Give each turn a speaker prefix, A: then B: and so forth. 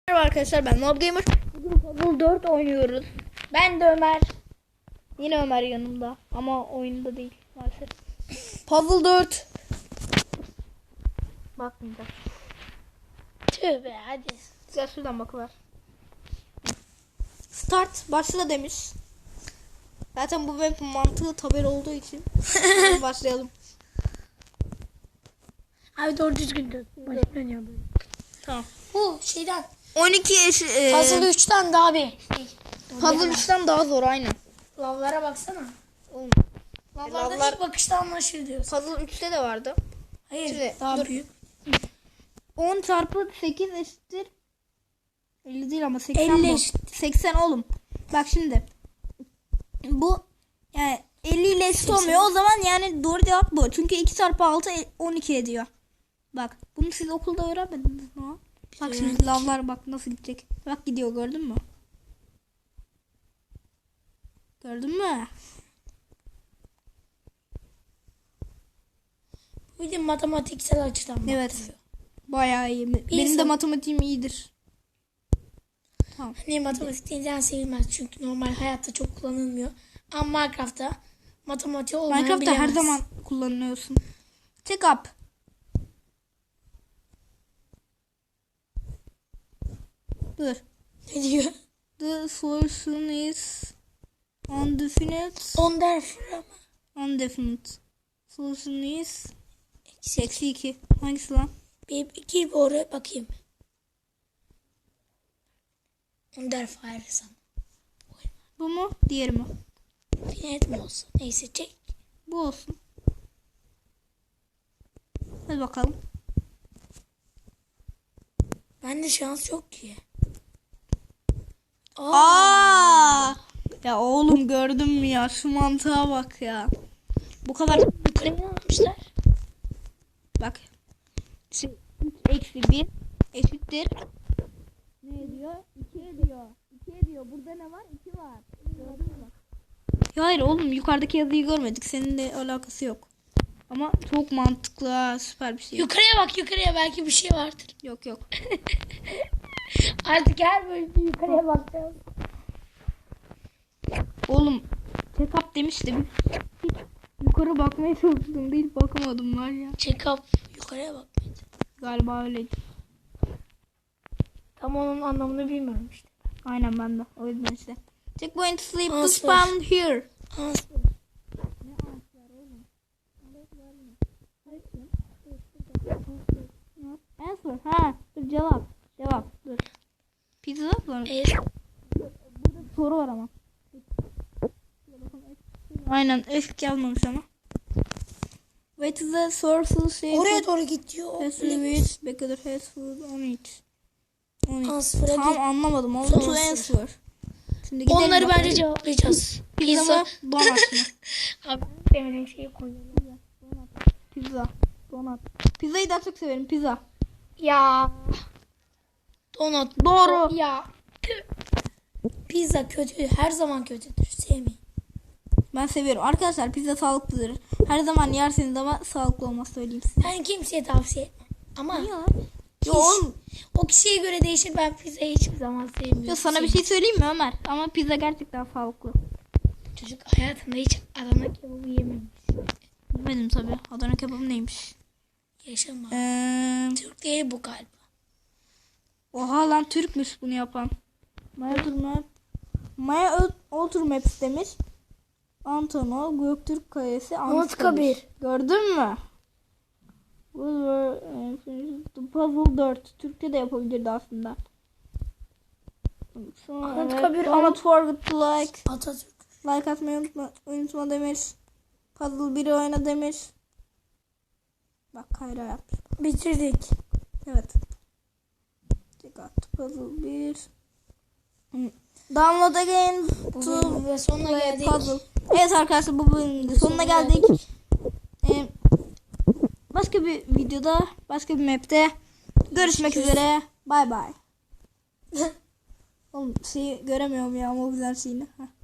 A: Merhaba arkadaşlar, ben Mob Gamer. Bugün Puzzle 4 oynuyoruz. Ben de Ömer. Yine Ömer yanımda ama oyunda değil maalesef. Puzzle 4. Bakmayacağım.
B: Tövbe hadi.
A: Güzel, şuradan bakıver. Start başla demiş. Zaten bu web mantığı tabel olduğu için başlayalım.
B: Abi doğru düzgün dön. Başlanıyor böyle.
A: Tamam.
B: Bu şeyden.
A: 12
B: Puzzle 3'ten daha bir.
A: Puzzle 3'ten daha zor aynen.
B: Lavlara baksana.
A: Oğlum,
B: Lavlarda
A: lavlar-
B: ilk bakışta anlaşılıyor diyorsun.
A: Puzzle 3'te de vardı.
B: Hayır
A: Şimdi,
B: daha
A: dur.
B: büyük.
A: 10 çarpı 8 eşittir 50 değil ama 80
B: 50
A: bu.
B: eşit.
A: 80 oğlum. Bak şimdi. Bu yani 50 ile eşit
B: 80.
A: olmuyor. O zaman yani doğru cevap bu. Çünkü 2 çarpı 6 12 ediyor. Bak bunu siz okulda öğrenmediniz mi? Bak şimdi lavlar bak nasıl gidecek. Bak gidiyor, gördün mü? Gördün mü?
B: Bir de matematiksel açıdan
A: Evet.
B: bakılıyor.
A: Bayağı iyi. Benim de
B: İnsan-
A: matematiğim iyidir. Tamam.
B: Hani matematik denizden sevilmez çünkü normal hayatta çok kullanılmıyor. Ama Minecraft'ta matematiği olmayan
A: Minecraft'ta her
B: bilemez.
A: zaman kullanıyorsun. Check up. Dur.
B: Ne diyor?
A: The solution is undefinite.
B: Wonderful.
A: Undefinite. Solution is eksi 2. Hangisi lan?
B: Bir gir bir oraya bakayım. Wonderful sana.
A: Bu mu? Diğeri mi?
B: Finet mi olsun? Neyse çek.
A: Bu olsun. Hadi bakalım.
B: Bende şans yok ki.
A: Aa! Ya oğlum gördün mü ya? Şu mantığa bak ya. Bu kadar.
B: Yukarıya ne almışlar?
A: Bak. 3 eksi 1 eşittir. Ne ediyor? 2 ediyor. 2 ediyor. Burada ne var? 2 var. Gördün mü bak? Ya hayır oğlum, yukarıdaki yazıyı görmedik. Seninle alakası yok. Ama çok mantıklı ha, süper bir şey.
B: Yukarıya bak, yukarıya belki bir şey vardır.
A: Yok yok.
B: Artık her bölümde yukarıya bakacağız.
A: Oğlum check up demişti. Hiç yukarı bakmaya çalıştım değil, bakamadım var ya.
B: Check up. Yukarıya bak.
A: Galiba öyleydi.
B: Tam onun anlamını bilmiyorum işte.
A: Aynen, ben de. O yüzden işte. Checkpoint sleep to
B: Answer.
A: spawn here.
B: Answer.
A: Answer. Ha, dur cevap. Cevap. Dur. Pizza var. Soru var ama. Aynen, eski yazmamış ama. What is the source shape
B: Oraya doğru git diyor.
A: has which because it has food on it.
B: Answer'a
A: Tam
B: git.
A: anlamadım. Onu
B: Son
A: to
B: answer.
A: answer. Şimdi gidelim
B: Onları
A: bakalım.
B: bence cevaplayacağız.
A: Pizza mı? Donat mı?
B: Abi demeden şey koyuyorum.
A: Pizza. Donat. Pizzayı daha çok severim. Pizza.
B: Ya. Donut.
A: Doğru.
B: Ya. Pizza kötü. Her zaman kötüdür. Sevmeyin.
A: Ben seviyorum. Arkadaşlar pizza sağlıklıdır. Her zaman yerseniz ama sağlıklı olmaz, söyleyeyim size.
B: Ben kimseye tavsiye etmem. Ama
A: Ya. Yo oğlum.
B: o kişiye göre değişir. Ben pizzayı hiçbir zaman sevmiyorum.
A: Yo, sana bir şey söyleyeyim mi Ömer? Ama pizza gerçekten sağlıklı.
B: Çocuk hayatında hiç Adana kebabı yememiş.
A: Bilmedim tabii. Adana kebabı neymiş?
B: Yaşama. Türk değil bu galiba.
A: Oha lan, Türkmüş bunu yapan. Maya Oturmaps demiş. Antonov Göktürk Kalesi
B: Anıtkabir.
A: Gördün mü? Puzzle 4. Türkçe de yapabilirdi aslında.
B: Anıtkabir.
A: Don't forget to
B: Atatürk.
A: like atmayı unutma demiş. Puzzle 1'i oyna demiş. Bak Kayra yapmış.
B: Bitirdik.
A: Evet. Check out puzzle 1. Download again
B: Bu
A: to
B: bölümün de sonuna
A: play
B: geldik.
A: puzzle. Evet arkadaşlar, bu bölümün de sonuna geldik. Başka bir videoda, başka bir map'te görüşmek üzere. Bye bye. Oğlum şeyi göremiyorum ya, ama güzel şeyini. Heh.